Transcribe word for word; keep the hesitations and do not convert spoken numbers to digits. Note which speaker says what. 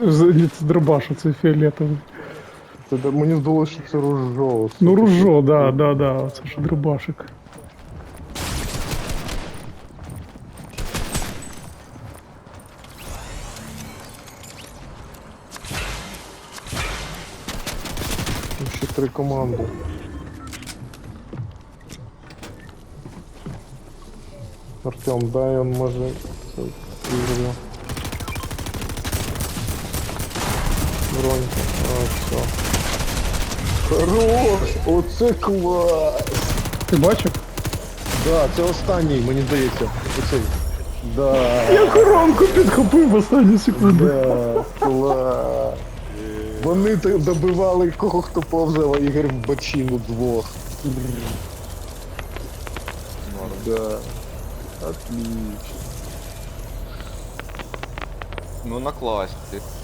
Speaker 1: Ні, це дробаш, це фіолетовий.
Speaker 2: Це да- мені здалося, що це ружо.
Speaker 1: Ну,
Speaker 2: сука.
Speaker 1: ружо, да, да, да, це ж дробашик.
Speaker 2: Там ще три команди. Артем, дай он може це ігру. Бронька. А, все. Хорош! Оце клас!
Speaker 1: Ти бачив?
Speaker 2: Да, це останній, мені здається. Оцей. Да.
Speaker 1: Я коронку підхопив в останні секунди.
Speaker 2: Да, клас. Вони т- добивали кого хто повзав, а Ігор в бочину двох. Да. Отлично.
Speaker 3: Ну на класі.